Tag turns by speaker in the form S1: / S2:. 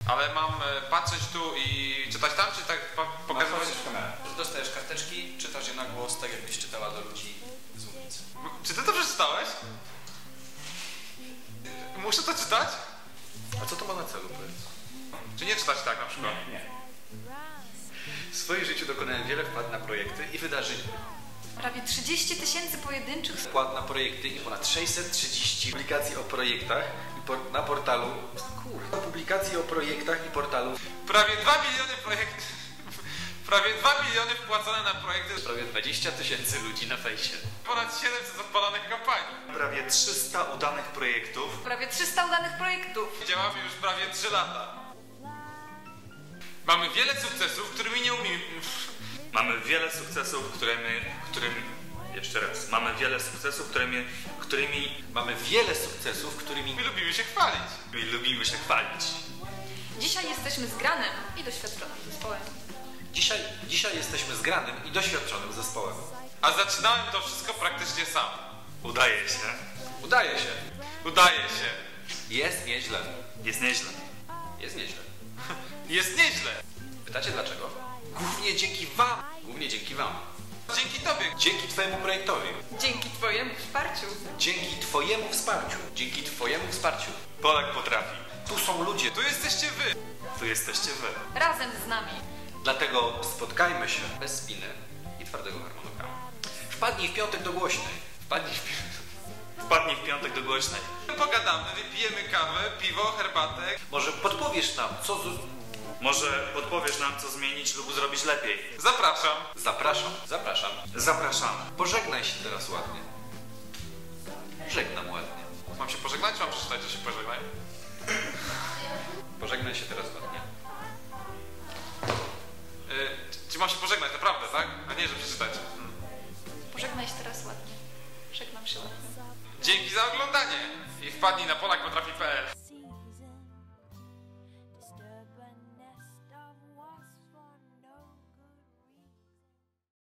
S1: Ale mam patrzeć tu i czytać tam, czy tak pokazywać?
S2: Dostajesz karteczki, czytasz je na głos, tak jakbyś czytała do ludzi z ulicy.
S1: Czy ty to przeczytałeś? Muszę to czytać?
S3: A co to ma na celu, powiedz?
S1: Czy nie czytać tak na przykład?
S2: Nie.
S3: W swoim życiu dokonałem wiele wpłat na projekty i wydarzeń.
S4: Prawie 30 000 pojedynczych
S3: Wpłat na projekty i ponad 630 publikacji o projektach i na portalu. Kurde. Publikacji o projektach i portalu.
S1: Prawie 2 miliony projektów. Prawie 2 miliony wpłacone na projekty.
S3: Prawie 20 000 ludzi na fejsie.
S1: Ponad 700 odpalonych kampanii.
S5: Prawie 300 udanych projektów.
S4: prawie 300 udanych projektów.
S1: Działamy już prawie 3 lata. Mamy wiele sukcesów, którymi nie umiemy...
S5: Mamy wiele sukcesów, jeszcze raz. Mamy wiele sukcesów, którymi
S3: Mamy wiele sukcesów, którymi
S1: My lubimy się chwalić.
S5: lubimy się chwalić.
S4: Dzisiaj jesteśmy zgranym i doświadczonym zespołem.
S3: Dzisiaj jesteśmy zgranym i doświadczonym zespołem.
S1: A zaczynałem to wszystko praktycznie sam.
S5: Udaje się.
S3: Udaje się.
S1: Udaje się.
S3: Jest nieźle.
S5: Jest nieźle.
S3: Jest nieźle.
S1: Jest nieźle.
S3: Pytacie dlaczego? Głównie dzięki wam. Głównie dzięki wam.
S1: Dzięki tobie.
S3: Dzięki twojemu projektowi.
S4: Dzięki twojemu wsparciu.
S3: Dzięki twojemu wsparciu. Dzięki twojemu wsparciu.
S5: Polak potrafi.
S3: Tu są ludzie.
S1: Tu jesteście wy.
S5: Tu jesteście wy.
S4: Razem z nami.
S3: Dlatego spotkajmy się bez spiny i twardego harmonogramu. Wpadnij w piątek do głośnej.
S5: Wpadnij w piątek do głośnej.
S1: Pogadamy, wypijemy kawę, piwo, herbatę.
S3: Może podpowiesz nam,
S5: Może podpowiesz nam, co zmienić lub zrobić lepiej.
S1: Zapraszam.
S3: Zapraszam.
S5: Zapraszamy.
S3: Pożegnaj się teraz ładnie. Żegnam ładnie.
S1: Mam się pożegnać, czy mam przeczytać, że się pożegnaj?
S3: Pożegnaj się teraz ładnie.
S1: Czy mam się pożegnać, naprawdę, tak? A nie, że przeczytać.
S4: Pożegnaj się teraz ładnie. Żegnam się ładnie.
S1: Dzięki za oglądanie i wpadnij na polakpotrafi.pl.